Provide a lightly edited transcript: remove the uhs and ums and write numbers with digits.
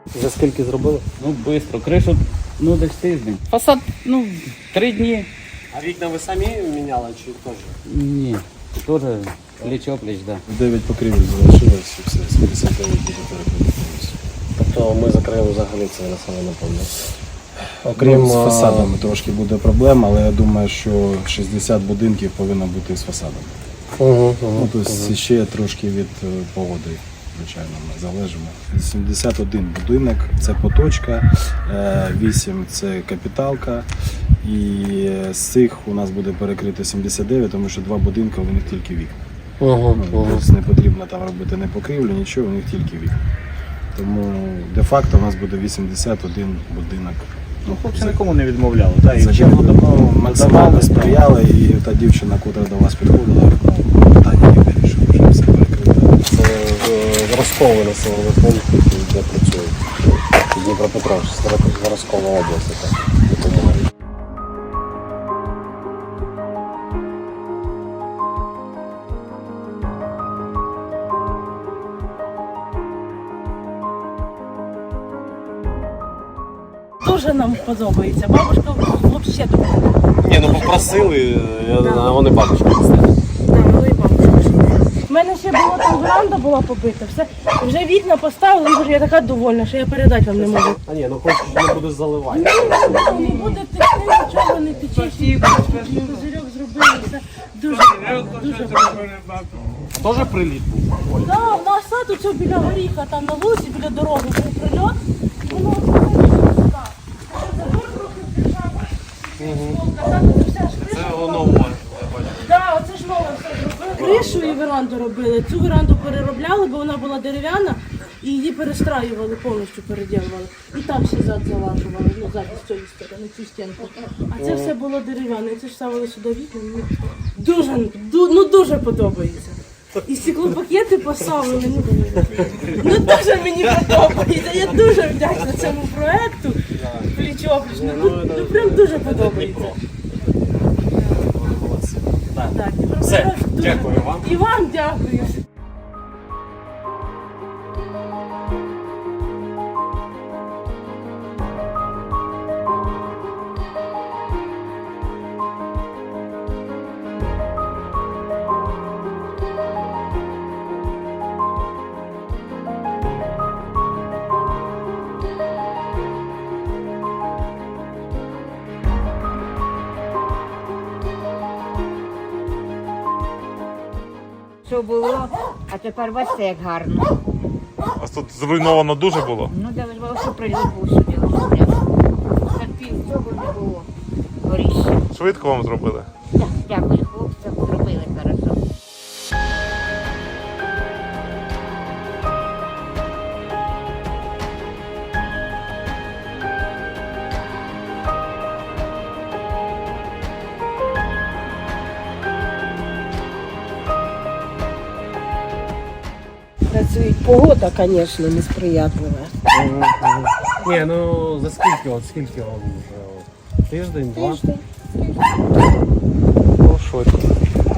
За скільки зробили? Ну, швидко. Кришу, десь тиждень. Фасад, 3 дні. А вікна ви самі міняли чи теж? Ні, теж пліч-опліч, так. 9 покрівель залишилось і все, 79 буде перекрито. Тобто ми закриємо взагалі це населений пункт. Окрім з фасадами трошки буде проблема, але я думаю, що 60 будинків повинно бути з фасадами. Тобто ще трошки від погоди, звичайно, ми залежимо. 71 будинок – це поточка, 8 – це капіталка. І з цих у нас буде перекрито 79, тому що 2 будинки, у них тільки вікна. Тобто не потрібно там робити не покрівлю, нічого, у них тільки вікна. Тому де-факто у нас буде 81 будинок. Хлопці нікому не відмовляли, так? Максимально сприяли, і та дівчина, яка до вас підходила, питання не вирішила, вже все перекрито. Це зразковий населений пункт, де працюють. Дніпропетровськ, зразкова область, так, допомагає. Дуже нам подобається. Бабушка взагалі дуже. Ні, попросили, а вони бабушки. Так, ну і бабушка. У мене ще було там веранда була побита, все. Вже вікна поставили, і вже я така довольна, що я передати вам не можу. А ні, хоч не буде заливати. Не буде текти, нічого не тече. Козирьок зробили, все дуже, дуже багато. Теж приліт був? Так, у нас сад оце біля горіха, там на вулиці, біля дороги був прильот. Воно оце так. Забор трохи вбіжав. Це нове. Так, оце ж нове все зробили. Кришу і веранду робили. Цю веранду переробляли, бо вона була дерев'яна, і її перестраювали, повністю переділували. І там ще зад залажували, зад з цієї сторони, цю стінку. А це все було дерев'яне, і це ж ставили сюди вікна. Мені дуже подобається. І стеклопакети поставили. Дуже мені подобається. Я дуже вдячна цьому проєкту. Пліч-опліч. Прям дуже подобається. Так, Все, дякую вам. І вам дякую. Що було, а тепер бачите, як гарно. А тут зруйновано дуже було? Ну, де ж було, що приліт був сюди. Так пів цього не було. Горіще. Швидко вам зробили? Так, дякую хлопцям, зробили хорошо. Працюють. Погода, звісно, несприятлива. Ні, за скільки вам вже? Тиждень, два? Тиждень. Швидко.